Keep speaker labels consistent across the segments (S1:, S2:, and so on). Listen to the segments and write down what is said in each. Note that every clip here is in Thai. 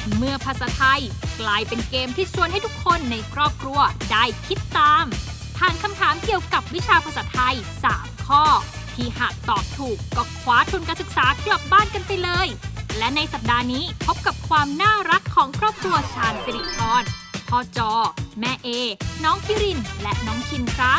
S1: เมื่อภาษาไทยกลายเป็นเกมที่ชวนให้ทุกคนในครอบครัวได้คิดตามผ่านคำถามเกี่ยวกับวิชาภาษาไทย 3 ข้อ ที่หากตอบถูกก็คว้าทุนการศึกษากลับบ้านกันไปเลย และในสัปดาห์นี้พบกับความน่ารักของครอบครัวชาญสิริพรพ่อจอ แม่เอ น้องคิริน และน้องคินครับ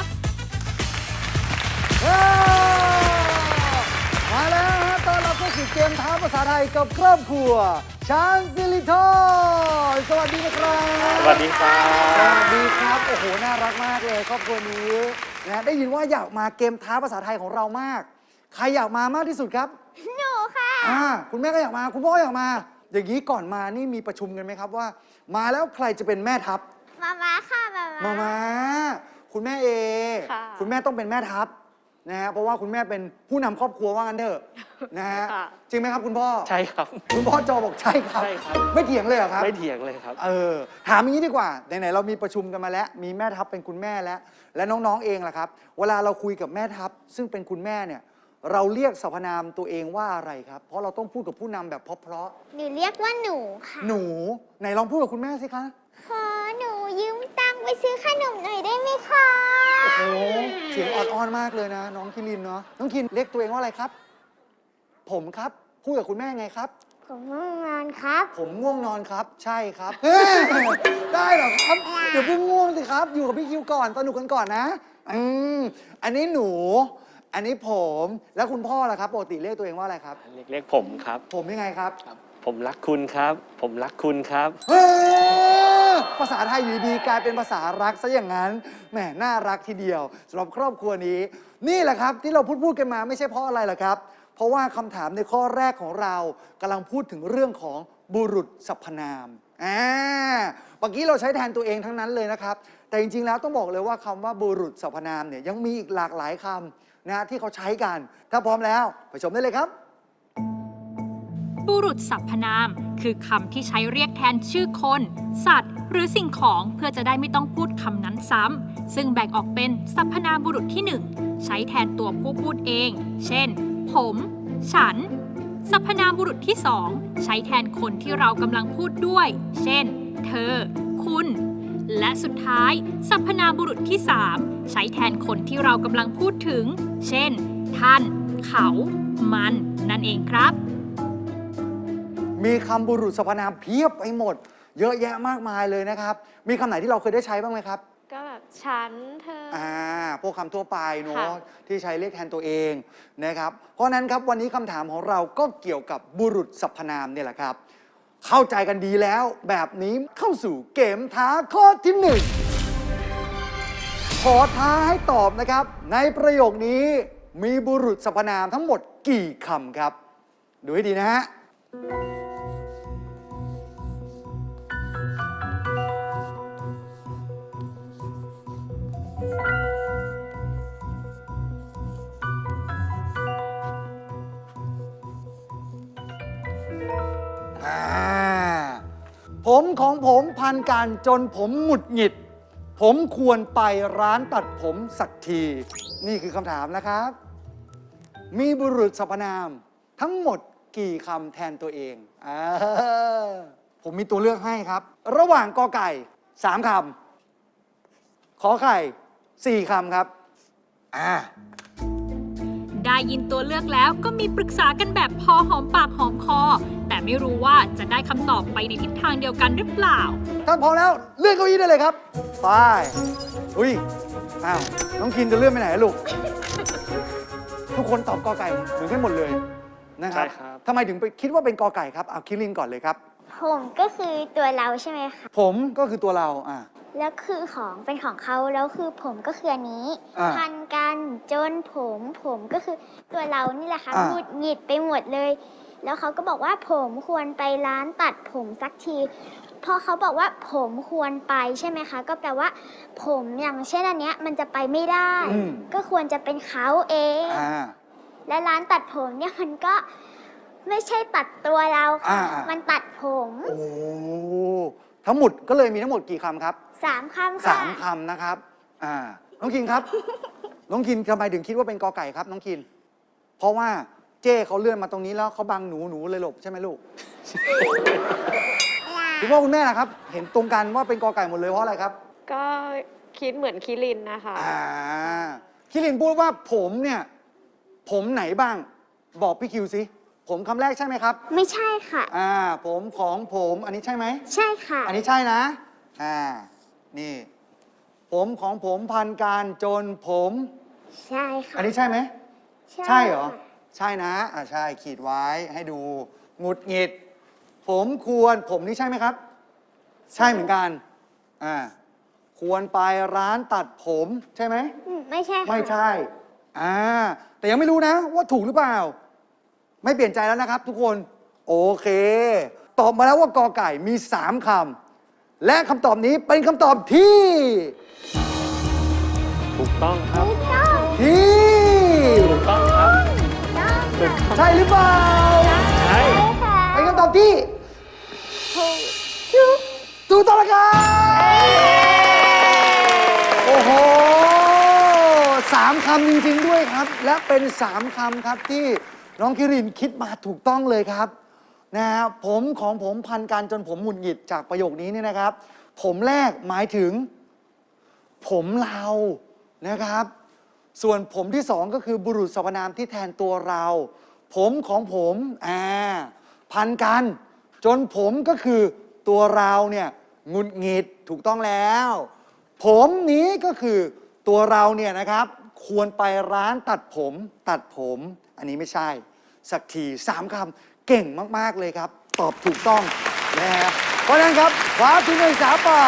S2: มาแล้วฮะตอนเราก็สู่เกมท้าภาษาไทยกับครอบครัวชาญสิริธรสวัสดีนะครับ
S3: สวัสดีครับ
S2: สวัสดีครับโอ้โหน่ารักมากเลยครอบครัวนี้นะได้ยินว่าอยากมาเกมท้าภาษาไทยของเรามากใครอยากมามากที่สุดครับหนูค่ะคุณแม่ก็อยากมาคุณพ่ออยากมาอย่างนี้ก่อนมานี่มีประชุมกันไหมครับว่า มาแล้วใครจะเป็นแม่ทัพ
S4: มาค่ะ
S2: มาคุณแม่เอคุณแม่ต้องเป็นแม่ทัพนะฮะเพราะว่าคุณแม่เป็นผู้นำครอบครัวว่างั้นเถอะนะฮะจริงไหมครับคุณพ่อ
S3: ใช่ครับ
S2: คุณพ่อจอบอกใช่ครับไม่เถียงเลยเหรอครับ
S3: ไม่เถียงเลยครับ
S2: ถามอย่างนี้ดีกว่าไหนๆเรามีประชุมกันมาแล้วมีแม่ทัพเป็นคุณแม่และน้องๆเองล่ะครับเวลาเราคุยกับแม่ทัพซึ่งเป็นคุณแม่เนี่ยเราเรียกสรรพนามตัวเองว่าอะไรครับเพราะเราต้องพูดกับผู้นำแบบเพราะ
S4: หนูเรียกว่าหนูค่ะ
S2: หนูไหนลองพูดกับคุณแม่สิคะ
S4: ขอหนูยืมตังค์ไปซื้อขนมหน่อยได้ไหมคะ
S2: โอ้โหเสียงอ่อนๆมากเลยนะน้องคิรินเนาะน้องคินเรียกตัวเองว่าอะไรครับผมครับพูดกับคุณแม่ไงครับ
S4: ผมง่วงนอนครับ
S2: ผมง่วงนอนครับใช่ครับได้เหรอครับเดี๋ยวเพิ่งง่วงสิครับอยู่กับพี่คิวก่อนสนุกกันก่อนนะอันนี้หนูอันนี้ผมแล้วคุณพ่อล่ะครับปกติเรียกตัวเองว่าอะไรครับ
S3: เรียกผมครับ
S2: ผมยังไงครับ
S3: ผมรักคุณครับผมรักคุณครับ
S2: ภาษาไทยอยู่ดีกลายเป็นภาษารักซะอย่างนั้นแหมน่ารักทีเดียวสำหรับครอบครัวนี้นี่แหละครับที่เราพูดกันมาไม่ใช่เพราะอะไรหรอกครับเพราะว่าคำถามในข้อแรกของเรากำลังพูดถึงเรื่องของบุรุษสรรพนามเมื่อกี้เราใช้แทนตัวเองทั้งนั้นเลยนะครับแต่จริงๆแล้วต้องบอกเลยว่าคำว่าบุรุษสรรพนามเนี่ยยังมีอีกหลากหลายคำนะที่เขาใช้กันถ้าพร้อมแล้วไปชมได้เลยครับ
S1: บุรุษสรรพนามคือคำที่ใช้เรียกแทนชื่อคน สัตว์ หรือสิ่งของเพื่อจะได้ไม่ต้องพูดคำนั้นซ้ำซึ่งแบ่งออกเป็นสรรพนามบุรุษที่ 1 ใช้แทนตัวผู้พูดเองเช่นผมฉันสรรพนามบุรุษที่ 2 ใช้แทนคนที่เรากำลังพูดด้วยเช่นเธอคุณและสุดท้ายสรรพนามบุรุษที่ 3 ใช้แทนคนที่เรากำลังพูดถึงเช่นท่านเขามันนั่นเองครับ
S2: มีคำบุรุษสรรพนามเพียบไปหมดเยอะแยะมากมายเลยนะครับมีคำไหนที่เราเคยได้ใช้บ้างไหมครับ
S5: ก็แบบฉันเธอ
S2: พวกคำทั่วไปเนาะที่ใช้เรียกแทนตัวเองนะครับเพราะนั้นครับวันนี้คำถามของเราก็เกี่ยวกับบุรุษสรรพนามเนี่ยแหละครับเข้าใจกันดีแล้วแบบนี้เข้าสู่เกมท้าข้อที่ 1ขอท้าให้ตอบนะครับในประโยคนี้มีบุรุษสรรพนามทั้งหมดกี่คำครับดูให้ดีนะฮะผมของผมพันกันจนผมหงุดหงิดผมควรไปร้านตัดผมสักทีนี่คือคำถามนะครับมีบุรุษสรรพนามทั้งหมดกี่คำแทนตัวเองผมมีตัวเลือกให้ครับระหว่างกอไก่3 คำขอไข่4 คำครับ
S1: ได้ยินตัวเลือกแล้วก็มีปรึกษากันแบบพอหอมปากหอมคอแต่ไม่รู้ว่าจะได้คำตอบไปในทิศทางเดียวกันหรือเปล่า
S2: ถ้าพร้อมแล้วเลื่อนเก้าอี้ได้เลยครับไปอุ้ยน้องคินจะเลื่อนไปไหนลูกทุกคนตอบกอไก่เหมือนกันหมดเลยนะครับทำไมถึงไปคิดว่าเป็นกอไก่ครับคิรินก่อนเลยครับ
S4: ผมก็คือตัวเราใช่ไหมคะ
S2: ผมก็คือตัวเรา
S4: แล้วคือของเป็นของเขาแล้วคือผมก็คืออันนี้พันกันจนผมก็คือตัวเรานี่แหละค่ะหงุดหงิดไปหมดเลยแล้วเขาก็บอกว่าผมควรไปร้านตัดผมสักทีพอเขาบอกว่าผมควรไปใช่ไหมคะก็แปลว่าผมอย่างเช่นอันเนี้ยมันจะไปไม่ได้ก็ควรจะเป็นเขาเองและร้านตัดผมเนี่ยมันก็ไม่ใช่ตัดตัวเราค่ะมันตัดผม
S2: โอ้ทั้งหมดก็เลยมีทั้งหมดกี่คำครับ
S4: 3 คำค่ะ
S2: 3 คำนะครับน้องคินครับน้องคินทำไมถึงคิดว่าเป็นกอไก่ครับน้องคินเพราะว่าเจ้เขาเลื่อนมาตรงนี้แล้วเขาบังหนูเลยหลบใช่ไหมลูกคุณพ่อคุณแม่นะครับ เห็นตรงกันว่าเป็นกอไก่หมดเลยเพราะอะไรครับ
S5: ก็คิดเหมือนคิรินนะคะ
S2: คิรินพูดว่าผมเนี่ย ผมไหนบ้าง บอกพี่คิวสิผมคำแรกใช่ไหมครับ
S4: ไม่ใช่ค่ะ
S2: ผมของผมอันนี้ใช่ไหม
S4: ใช่ค่ะ
S2: อันนี้ใช่นะนี่ ผมของผมพันการจนผม
S4: ใช่ค่ะ
S2: อันนี้ใช่ไหม ใช่เหรอ ใช่นะใช่ขีดไว้ให้ดูหงุดหงิด ผมควรผมนี่ใช่ไหมครับ ใช่เหมือนกันควรไปร้านตัดผมใช่ไหม
S4: ไม่ใช่ค่ะ
S2: ไม่ใช่แต่ยังไม่รู้นะว่าถูกหรือเปล่า ไม่เปลี่ยนใจแล้วนะครับทุกคน โอเค ตอบมาแล้วว่ากอไก่มี 3 คำ และคำตอบนี้เป็นคำตอบที่
S3: ถูกต้องครับ
S2: ที่
S3: ถูกต้องครับถูกต้อง
S2: ใช่หรือเปล่า
S3: ใช่
S2: เป็นคำตอบที่ถูกต้องแล้วครับโอ้โห3 คำจริงๆด้วยครับ และเป็น 3 คำครับที่น้องคิรินคิดมาถูกต้องเลยครับผมของผมพันกันจนผมหงุดหงิดจากประโยคนี้เนี่ยนะครับ ผมแรกหมายถึง ผมเรานะครับ ส่วนผมที่ 2 ก็คือบุรุษสรรพนามที่แทนตัวเรา ผมของผมพันกันจนผมก็คือตัวเราเนี่ยหงุดหงิดถูกต้องแล้ว ผมนี้ก็คือตัวเราเนี่ยนะครับ ควรไปร้านตัดผมอันนี้ไม่ใช่สักที3 คำเก่งมากๆเลยครับ ตอบถูกต้องนะฮะเพราะฉะนั้นครับคว้าทุนการศึกษาไป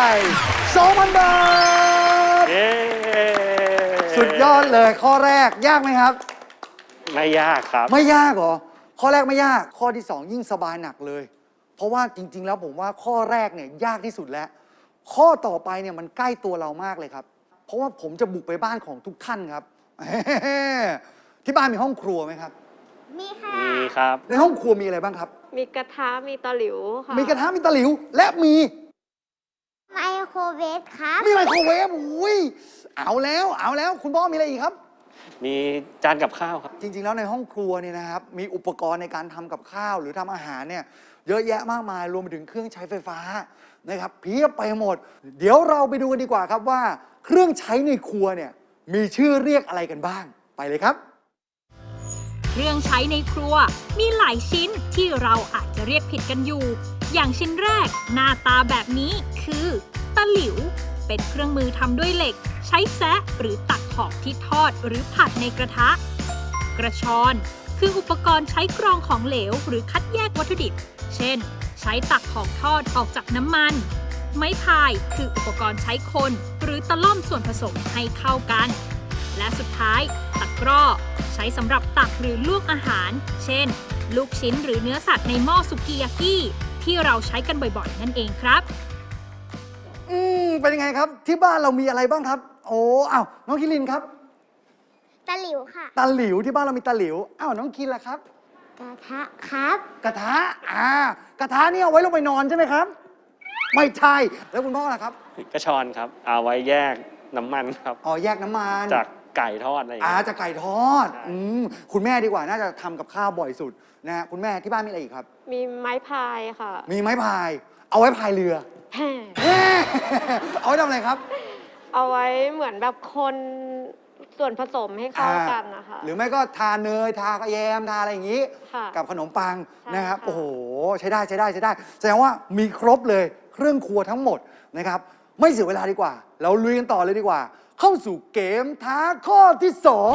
S2: 2,000 บาท
S3: เย้
S2: สุดยอดเลยข้อแรกยากไหมครับ
S3: ไม่ยากครับ
S2: ไม่ยากเหรอ ข้อแรกไม่ยาก ข้อที่ 2 ยิ่งสบายหนักเลย เพราะว่าจริง ๆ แล้วผมว่าข้อแรกเนี่ยยากที่สุดแล้ว ข้อต่อไปเนี่ยมันใกล้ตัวเรามากเลยครับ เพราะว่าผมจะบุกไปบ้านของทุกท่านครับ ที่บ้านมีห้องครัวไหมครับ
S4: มีค่ะ
S3: มีครับ
S2: ในห้องครัวมีอะไรบ้างครับ
S5: มีกระทะมีตะหลิวค่ะ
S2: มีกระทะมีตะหลิว และมี
S4: ไมโครเวฟครับ
S2: มีไมโครเวฟอุ้ยเอาแล้วคุณพ่อมีอะไรอีกครับ
S3: มีจานกับข้าวครับ
S2: จริง ๆ แล้วในห้องครัวเนี่ยนะครับ มีอุปกรณ์ในการทำกับข้าวหรือทำอาหารเนี่ยเยอะแยะมากมายรวมไปถึงเครื่องใช้ไฟฟ้านะครับเพียบไปหมด เดี๋ยวเราไปดูกันดีกว่าครับว่า เครื่องใช้ในครัวเนี่ยมีชื่อเรียกอะไรกันบ้างไปเลยครับ
S1: เครื่องใช้ในครัวมีหลายชิ้นที่เราอาจจะเรียกผิดกันอยู่ อย่างชิ้นแรกหน้าตาแบบนี้คือตะหลิว เป็นเครื่องมือทำด้วยเหล็ก ใช้แซะหรือตักของที่ทอดหรือผัดในกระทะ กระชอนคืออุปกรณ์ใช้กรองของเหลวหรือคัดแยกวัตถุดิบ เช่น ใช้ตักของทอดออกจากน้ำมัน ไม้พายคืออุปกรณ์ใช้คนหรือตะล่อมส่วนผสมให้เข้ากัน และสุดท้ายตะกร้อใช้สำหรับตักหรือลวกอาหาร เช่น ลูกชิ้นหรือเนื้อสัตว์ในหม้อสุกิยากิที่เราใช้กันบ่อยๆ นั่นเองครับ
S2: เป็นยังไงครับที่บ้านเรามีอะไรบ้างครับ โอ้น้องคิรินครับ
S4: ตะหลิวค่ะ
S2: ตะหลิวที่บ้านเรามีตะหลิวน้องคินล่ะครับ
S4: กระทะครับ
S2: กระทะกระทะนี่เอาไว้ลงไปนอนใช่ไหมครับ ไม่ใช่แล้วคุณพ่อล่ะครับ
S3: กระชอนครับ เอาไว้แยกน้ำมันครับ
S2: แยกน้ำมัน
S3: จากไก่ทอดอะไรอย่างเงี้ย
S2: จากไก่ทอด
S3: ใช่
S2: คุณแม่ดีกว่าน่าจะทำกับข้าวบ่อยสุดนะฮะคุณแม่ที่บ้านมีอะไรอีกครับ
S5: มีไม้พายค่ะ
S2: มีไม้พาย เอาไว้พายเรือ เอาไว้ทำอะไรครับ
S5: เอาไว้เหมือนแบบคนส่วนผสมให้เข้ากันนะคะ
S2: หรือไม่ก็ทาเนยทากระแยมทาอะไรอย่างนี้
S5: ค่ะ
S2: กับขนมปัง
S5: ใช่
S2: นะครับ
S5: ค่ะ
S2: โอ้โหใช้ได้แสดงว่ามีครบเลยเครื่องครัวทั้งหมดนะครับไม่เสียเวลาดีกว่า เราลุยกันต่อเลยดีกว่า เข้าสู่เกมท้าข้อที่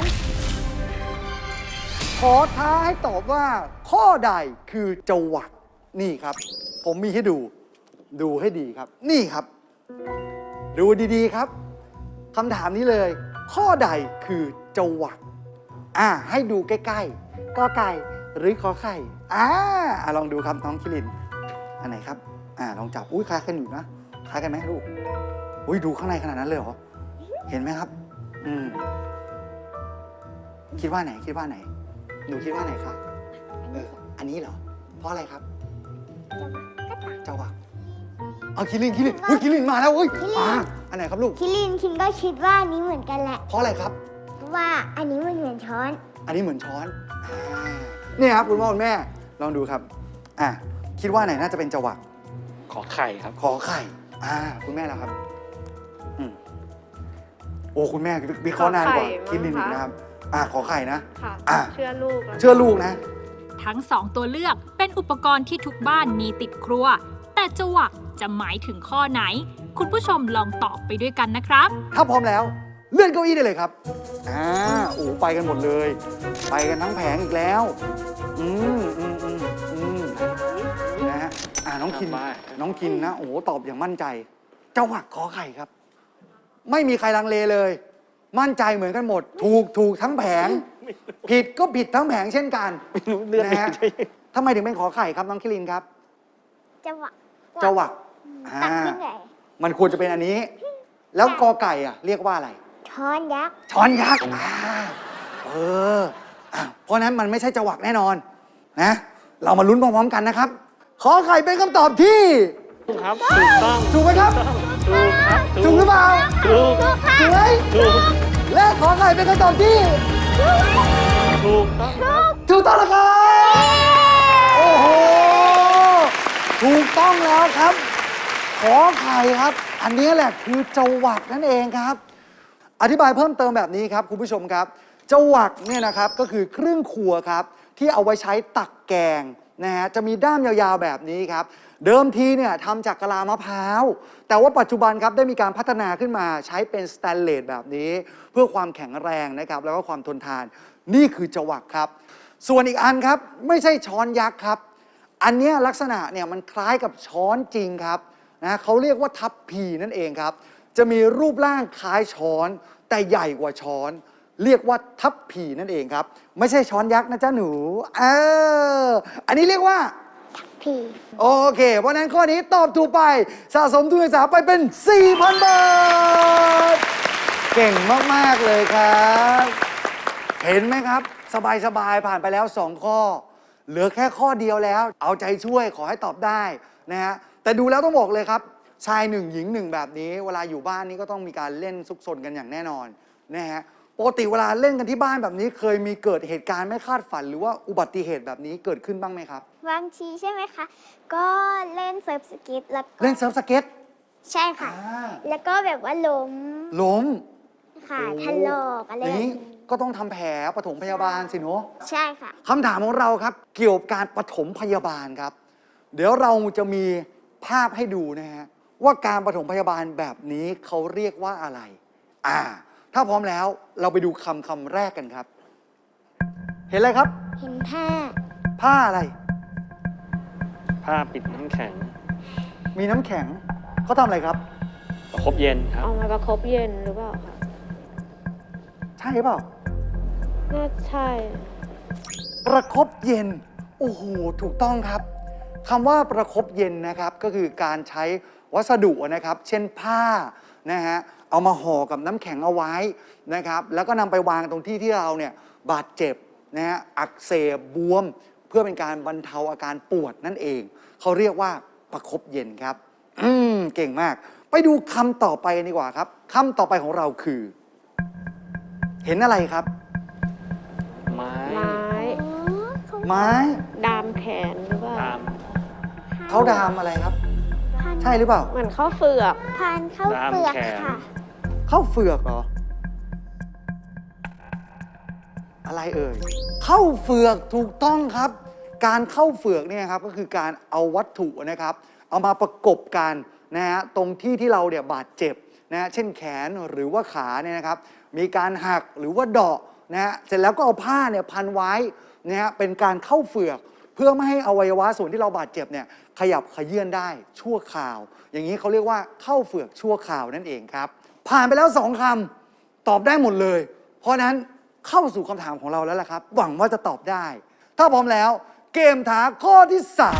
S2: 2 ขอท้าให้ตอบว่าข้อใดคือจวักนี่ครับ ผมมีให้ดูให้ดีครับ นี่ครับ ดูดีๆครับคำถามนี้เลย ข้อใดคือจวักให้ดูใกล้ๆกอไก่หรือขอไข่ลองดูครับน้องคิรินอันไหนครับลองจับคล้ายกันอยู่นะคล้ายกันไหมลูกดูข้างในขนาดนั้นเลยเหรอเห็นไหมครับคิดว่าไหนหนูคิดว่าไหนคะอันนี้เหรอเพราะอะไรครับจวักคิรินคิรินมาแล้วอันไหนครับลูก
S4: คิรินคินก็คิดว่าอันนี้เหมือนกันแหละ
S2: เพราะอะไรครับ
S4: เพราะว่าอันนี้มันเหมือนช้อน
S2: อันนี้เหมือนช้อนเนี่ยครับคุณพ่อคุณแม่ลองดูครับคิดว่าไหนน่าจะเป็นจวัก
S3: ขอไข่ครับ
S2: ขอไข่คุณแม่แล้วครับอืมโอ้คุณแม่วิเคราะห์นานกว่าคิดลินอีกนะครับขอไข่นะ
S5: ค่ะ
S2: อ่ะ
S5: เชื่อลูกแล้ว
S2: เชื่อลูกนะ
S1: ทั้ง 2 ตัวเลือกเป็นอุปกรณ์ที่ทุกบ้านมีติดครัว แต่จวักจะหมายถึงข้อไหน คุณผู้ชมลองตอบไปด้วยกันนะครับ
S2: ถ้าพร้อมแล้วเลื่อนเก้าอี้ได้เลยครับไปกันหมดเลย ไปกันทั้งแผงอีกแล้ว นะฮะน้องคิน
S3: สบาย
S2: น้องคินนะ โอ้โห ตอบอย่างมั่นใจ เจ้าหวักขอไข่ครับ ไม่มีใครลังเลเลย มั่นใจเหมือนกันหมด ถูกทั้งแผง ผิดก็ผิดทั้งแผงเช่นกัน
S3: ไม่รู้เลือด
S2: นะฮะทำไมถึงเป็นขอไข่ครับน้องคิรินครับ
S4: จะหวะ
S2: เจ้าหวัก
S4: ตักขึ้นไหน
S2: มันควรจะเป็นอันนี้ แล้วกอไก่เรียกว่าอะไร
S4: ช้อนยักษ์
S2: ช้อนยักษ์เพราะนั้นมันไม่ใช่จวักแน่นอนนะ เรามาลุ้นพร้อมๆกันนะครับ ขอไข่เป็นคำตอบที่
S3: ถูกครับ ถูกต้อง
S2: ถูกไหมครับ
S3: ถูกครับ
S2: ถูกหรือเปล่า
S3: ถูก
S2: ถูกไหม
S3: ถูก
S2: และขอไข่เป็นคำตอบที่
S3: ถูกต้องครับ
S2: ถูกต้องแล้วครับโอ้โห ถูกต้องแล้วครับ ขอไข่ครับ อันนี้แหละคือจวักนั่นเองครับ อธิบายเพิ่มเติมแบบนี้ครับคุณผู้ชมครับจวักเนี่ยนะครับก็คือเครื่องครัวครับที่เอาไว้ใช้ตักแกงนะฮะจะมีด้ามยาวๆแบบนี้ครับเดิมทีเนี่ยทำจากกะลามะพร้าวแต่ว่าปัจจุบันครับได้มีการพัฒนาขึ้นมาใช้เป็นสแตนเลสแบบนี้ เพื่อความแข็งแรงนะครับแล้วก็ความทนทานนี่คือจวักครับส่วนอีกอันครับไม่ใช่ช้อนยักษ์ครับอันเนี้ยลักษณะเนี่ยมันคล้ายกับช้อนจริงครับนะเขาเรียกว่าทัพพีนั่นเองครับจะมีรูปร่างคล้ายช้อนแต่ใหญ่กว่าช้อนเรียกว่าทัพพีนั่นเองครับไม่ใช่ช้อนยักษ์นะจ๊ะหนูอันนี้เรียกว่า
S4: ผี
S2: โอเค เพราะฉะนั้นข้อนี้ตอบถูกไปสะสมทุนการศึกษาไปเป็น 4,000 บาท เก่งมาก ๆ เลยครับ เห็นไหมครับ สบาย ๆ ผ่านไปแล้ว 2 ข้อ เหลือแค่ข้อเดียวแล้ว เอาใจช่วยขอให้ตอบได้นะฮะแต่ดูแล้วต้องบอกเลยครับ ชาย 1 หญิง 1 แบบนี้ เวลาอยู่บ้านนี้ก็ต้องมีการเล่นซุกซนกันอย่างแน่นอนนะฮะปกติเวลาเล่นกันที่บ้านแบบนี้เคยมีเกิดเหตุการณ์ไม่คาดฝันหรือว่าอุบัติเหตุแบบนี้เกิดขึ้นบ้างไหมครับ
S4: บางทีใช่ไหมคะ ก็เล่นเซิร์ฟสเก็ตแล้วก็
S2: เล่นเซิร์ฟสเก็ต
S4: ใช่ค่ะ แล้วก็แบบว่าล้มค่ะ
S2: โอ้
S4: ถลอกอะไรแบบ
S2: นี้
S4: นี้
S2: ก็ต้องทำแผลปฐมพยาบาลสิเนาะ
S4: ใช่ค่ะ
S2: คำถามของเราครับ เกี่ยวกับการปฐมพยาบาลครับ เดี๋ยวเราจะมีภาพให้ดูนะฮะว่าการปฐมพยาบาลแบบนี้เขาเรียกว่าอะไร ถ้าพร้อมแล้วเราไปดูคำแรกกันครับ เห็นอะไรครับ
S4: เห็นผ้า
S2: ผ้าอะไร
S3: ผ้าปิดน้ำแข็ง
S2: มีน้ำแข็งเขาทำอะไรครับ
S3: ประคบเย็นครับ
S5: เอามาประคบเย็นหรือเปล่าคะ
S2: ใช่เปล่า
S5: น่าใช่
S2: ประคบเย็น โอ้โห ถูกต้องครับคำว่าประคบเย็นนะครับก็คือการใช้วัสดุนะครับ เช่นผ้านะฮะเอามาห่อกับน้ำแข็งเอาไว้นะครับแล้วก็นำไปวางตรงที่ที่เราเนี่ยบาดเจ็บนะฮะอักเสบบวม เพื่อเป็นการบรรเทาอาการปวดนั่นเองเขาเรียกว่าประคบเย็นครับเก่งมาก ไปดูคำต่อไปกันดีกว่าครับคำต่อไปของเราคือ เห็นอะไรครับ
S3: ไม้
S5: ไม้
S2: ไม้
S5: ดามแขนหรือเปล่า
S3: ตาม
S2: เขาดามอะไรครับ ใช่หรือเปล่า
S5: เหมือนข้าวเฟือก
S4: พันเข้าเปลือกค่ะ
S2: ข้าวเฟือกเหรอ อะไรเอ่ยข้าวเฟือกถูกต้องครับ การเข้าเฟือกเนี่ยครับก็คือการเอาวัตถุนะครับ เอามาประกบกันนะฮะตรงที่ที่เราเนี่ยบาดเจ็บนะฮะเช่นแขนหรือว่าขาเนี่ยนะครับ มีการหักหรือว่าเดาะนะฮะเสร็จแล้วก็เอาผ้าเนี่ยพันไว้นะฮะเป็นการเข้าเฟือก เพื่อไม่ให้อวัยวะส่วนที่เราบาดเจ็บเนี่ยขยับเขยื่อนได้ชั่วคราว อย่างนี้เขาเรียกว่าเข้าเฟือกชั่วคราวนั่นเองครับ ผ่านไปแล้ว 2 คำตอบได้หมดเลย เพราะนั้นเข้าสู่คำถามของเราแล้วล่ะครับ หวังว่าจะตอบได้ ถ้าพร้อมแล้วเกมท้าข้อที่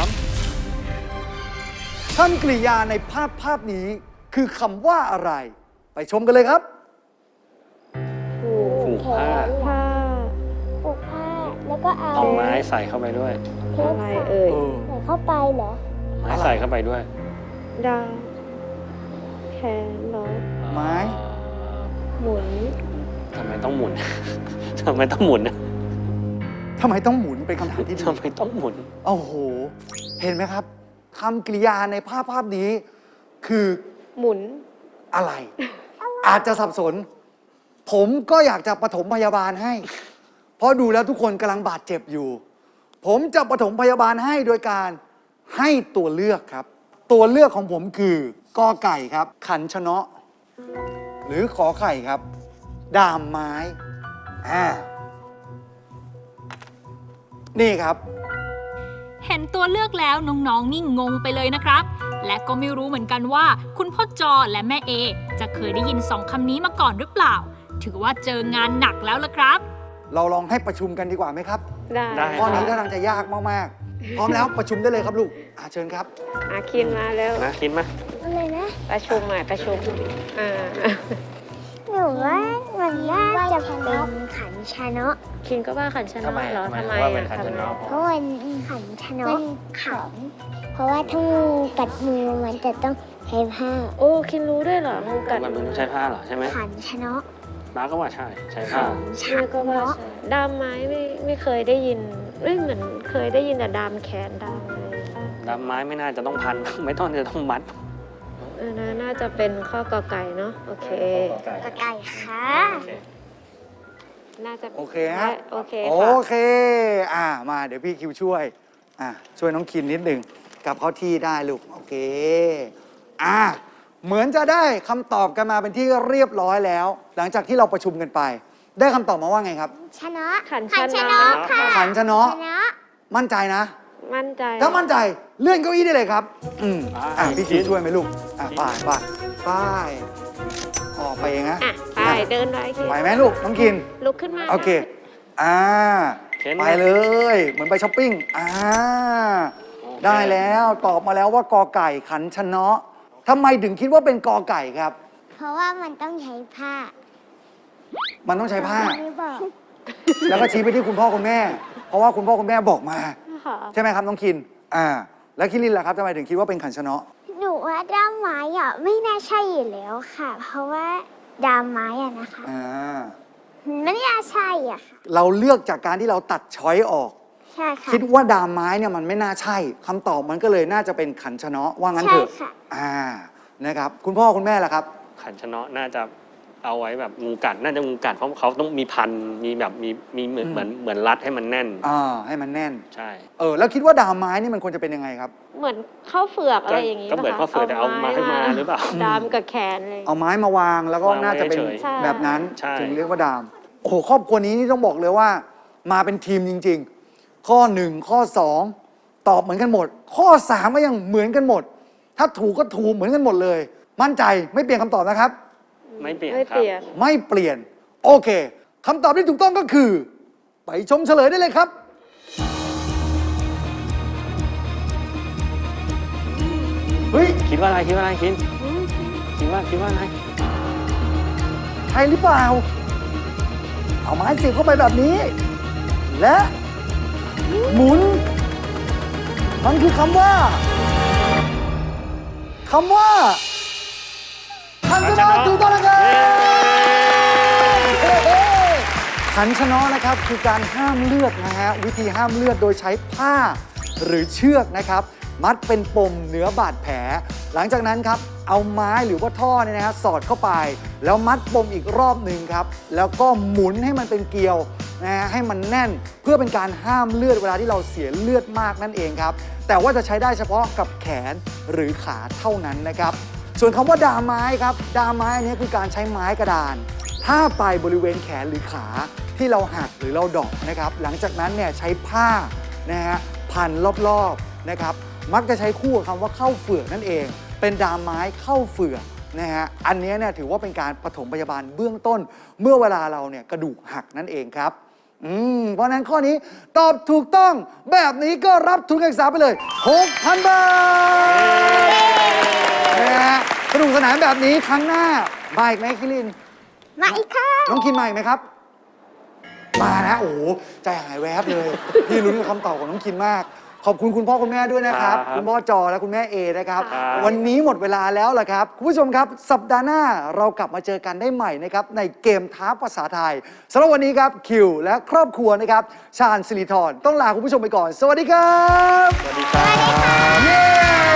S2: 3คำกริยาในภาพนี้คือคำว่าอะไร ไปชมกันเลยครับ
S5: ผูก
S3: ผูกผ้า
S5: ผ้า
S4: ปลูกผ้า แล้วก็เอา
S3: เอาไม้ใส่เข้าไปด้วย
S4: เทป
S5: อะไร
S4: ใส่
S5: เอ่ย
S4: ใส่เข้าไปเหรอ
S3: ไม้ใส่เข้าไปด้วย
S5: ดามแขนเหรอ
S2: ไม้
S5: หมุน
S3: ทำไมต้องหมุน ทำไมต้องหมุนนะ
S2: ทำไมต้องหมุนเป็นคำถามที่ดี
S3: ทำไมต้องหมุน
S2: โอ้โห เห็นไหมครับทำกริยาในภาพนี้คือ
S5: หมุน
S2: อะไร อาจจะสับสน ผมก็อยากจะปฐมพยาบาลให้ เพราะดูแล้วทุกคนกำลังบาดเจ็บอยู่ ผมจะปฐมพยาบาลให้โดยการให้ตัวเลือกครับ ตัวเลือกของผมคือกอไก่ครับ ขันชะเนาะหรือขอไข่ครับ ดามไม้นี่ครับ
S1: เห็นตัวเลือกแล้วน้องๆนี่งงไปเลยนะครับ และก็ไม่รู้เหมือนกันว่าคุณพ่อจอและแม่เอจะเคยได้ยิน2คำนี้มาก่อนหรือเปล่า ถือว่าเจองานหนักแล้วล่ะครับ
S2: เราลองให้ประชุมกันดีกว่าไหมครับ
S5: ได้
S2: ข้อนี้ท่าทางจะยากมากๆ พร้อมแล้วประชุมได้เลยครับลูกเชิญครับ
S5: คินมาแล้ว
S3: นะคิดไหม
S4: อะไรนะ
S5: ประชุมใหม่ประชุมอ่า
S4: หนูว่ามันน่าจะเป็นขันชะเนาะ
S5: คินก็ว่าขันชนะเหรอทำไม
S3: ว่าเป็น
S5: อ่ะ
S3: ขันชะเนาะ
S4: เพราะมันขันชะเนาะขันเพราะว่าถ้างูกัดมือมันจะต้องใช้ผ้า
S5: โอ้คินรู้ด้วยเหรองูกัด
S3: มันต้องใช้ผ้าเหรอใช่ไหม
S4: ขันชะเนาะ
S3: น้าก็ว่าใช่ใช้ผ้า
S5: ใช่ก็ว่าใช่ดามไม้ไม่เคยได้ยินเหมือนเคยได้ยินแต่ดามแขนดามอะไร
S3: ดำไม้ไม่น่าจะต้องพัน ไม่ต้องจะต้องมัด
S5: น่าจะเป็นข้อกอไก่เนาะโอเค
S4: กระไก่ค่ะ
S5: น่าจะ
S2: โอเคฮะ
S5: โอเค
S2: โอ
S5: ค่ะ
S2: เคมาเดี๋ยวพี่คิวช่วยช่วยน้องคินนิดหนึ่งกลับเข้าที่ได้ลูกโอเคเหมือนจะได้คำตอบกันมาเป็นที่เรียบร้อยแล้ว หลังจากที่เราประชุมกันไป ได้คำตอบมาว่าไงครับ
S4: ชะเนาะ
S5: ขัน
S4: ขัน
S5: ชะ
S4: ชะ
S5: เนาะ
S4: เนาะค่ะ
S2: ขันชะเนาะ
S4: ชะเนาะ
S2: มั่นใจนะ
S5: มั่นใจ
S2: ถ้ามั่นใจเลื่อนเก้าอี้ได้เลยครับพี่คิว
S3: คิด
S2: ช่วยไหมลูกไปออกไปเองนะ
S5: ไปเดินไปคิน
S2: ไหวไหมลูกน้องคิน
S5: ลุกขึ้นมา
S2: โอเคไปเลย เหมือนไปช้อปปิ้งได้แล้วตอบมาแล้วว่ากอไก่ขันชะเนาะทำไมถึงคิดว่าเป็นกอไก่ครับ
S4: เพราะว่ามันต้องใช้ผ้า
S2: มันต้องใช้ผ้า
S4: ไม่บอก
S2: แล้วก็ชี้ไปที่คุณพ่อคุณแม่ เพราะว่าคุณพ่อคุณแม่บอกมา
S5: ค่ะ
S2: ใช่ไหมครับน้องคินแล้วคิรินล่ะครับทำไมถึงคิดว่าเป็นขันชะเนาะ
S4: หนูว่าด้ามไม้ไม่น่าใช่อยู่แล้วค่ะ เพราะว่าด้ามไม้นะคะ ไม่น่าใช่ค่ะ
S2: เราเลือกจากการที่เราตัดช้อยออก
S4: ใช่ค่ะ
S2: คิดว่าดามไม้เนี่ยมันไม่น่าใช่คำตอบมันก็เลยน่าจะเป็นขันชะเนาะว่างั้นเถอะ
S4: ใช่ค่ะ
S2: นะครับคุณพ่อคุณแม่ล่ะครับ
S3: ขันชะเนาะน่าจะเอาไว้แบบงูกัดน่าจะงูกัดเพราะเขาต้องมีพันมีแบบมีเหมือนรัดให้มันแน่น
S2: ให้มันแน่น
S3: ใช่
S2: แล้วคิดว่าดามไม้นี่มันควรจะเป็นยังไงครับ
S5: เหมือนข้าวเฟือกอะไรอย่างนี้
S3: ก็เหมือนข้าวเฟือกแต่เอาไม้มาหรือเปล่า
S5: ดามกับแขนเลย
S2: เอาไม้มาวางแล้วก็
S3: วางไว้
S2: น่าจะเป็น
S3: เฉย
S5: ๆ
S2: แบบนั้น
S3: ใช่
S2: ถึงเรียกว่าดามโอ้โหครอบครัวนี้นี่ต้องบอกเลยว่า มาเป็นทีมจริง ๆ ข้อ 1 ข้อ 2 ตอบเหมือนกันหมด ข้อ 3 ก็ยังเหมือนกันหมด ถ้าถูกก็ถูกเหมือนกันหมดเลย มั่นใจไม่เปลี่ยนคำตอบนะครับ
S3: ไม่เปลี่ยน
S5: ไม่
S3: ค
S5: เป
S3: รับ
S5: ลี่ยน
S2: ไม่เปลี่ยน โอเคคำตอบที่ถูกต้องก็คือ ไปชมเฉลยได้เลยครับ เฮ้ย
S3: คิดว่าอะไรคิดว่าอะไรคิดว่าอะไร
S2: ใช่หรือเปล่า เอาไม้เสียบเข้าไปแบบนี้ และหมุน มันคือคำว่าขันชะเนาะถูกต้องนะครับขันชะเนาะนะครับคือการห้ามเลือดนะฮะวิธีห้ามเลือดโดยใช้ผ้าหรือเชือกนะครับ มัดเป็นปมเหนือบาดแผล หลังจากนั้นครับเอาไม้หรือว่าท่อเนี่ยนะฮะสอดเข้าไป แล้วมัดปมอีกรอบหนึ่งครับแล้วก็หมุนให้มันเป็นเกลียวนะฮะให้มันแน่นเพื่อเป็นการห้ามเลือดเวลาที่เราเสียเลือดมากนั่นเองครับแต่ว่าจะใช้ได้เฉพาะกับแขนหรือขาเท่านั้นนะครับส่วนคำว่าดามไม้ครับดามไม้อันนี้คือการใช้ไม้กระดานท่าบไปบริเวณแขนหรือขาที่เราหักหรือเราดอกนะครับหลังจากนั้นเนี่ยใช้ผ้านะฮะพันรอบๆนะครับมักจะใช้คู่กับคำว่าเข้าเฟือกนั่นเองเป็นดามไม้เข้าเฟือกนะฮะอันนี้เนี่ยถือว่าเป็นการปฐมพยาบาลเบื้องต้นเมื่อเวลาเราเนี่ยกระดูกหักนั่นเองครับเพราะฉะนั้นข้อนี้ตอบถูกต้องแบบนี้ก็รับทุนการศึกษาไปเลย 6,000 บาทนะฮะสนุกสนานแบบนี้ครั้งหน้ามาอีกไหมคิริน
S4: มาอีกค่ะ
S2: น้องคินมาอีกไหมครับ มานะโอ้โหใจหายแวบเลย พี่ลุ้นกับคำตอบของน้องคินมาก ขอบคุณคุณพ่อคุณแม่ด้วยนะครับ
S3: ครับ
S2: คุณพ่อจอและคุณแม่เอนะครับ
S3: ครับ
S2: วันนี้หมดเวลาแล้วล่ะครับ คุณผู้ชมครับ สัปดาห์หน้าเรากลับมาเจอกันได้ใหม่นะครับในเกมท้าภาษาไทยสำหรับวันนี้ครับคิวและครอบครัวนะครับชาญสิริธรต้องลาคุณผู้ชมไปก่อน สวัสดีครับ
S3: สวัสดีครับ
S2: เย้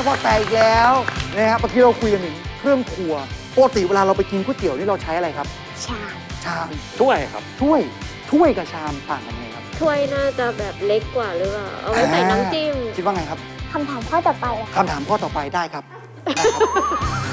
S2: พอแตกอีกแล้วนะครับเมื่อกี้เราคุยกันถึงเครื่องครัวปกติเวลาเราไปกินก๋วยเตี๋ยวนี่เราใช้อะไรครับ
S4: ชาม
S2: ชาม
S3: ถ้วยครับ
S2: ถ้วยกับชามต่างกันยังไงครับ
S5: ถ้วยน่าจะแบบเล็กกว่าหรือเปล่าเอาไว้ใส่น้ำจิ้ม
S2: คิดว่าไงครับ
S4: คำถามข้อต่อไปอะ
S2: คำถามข้อต่อไปได้ครับได้ครับ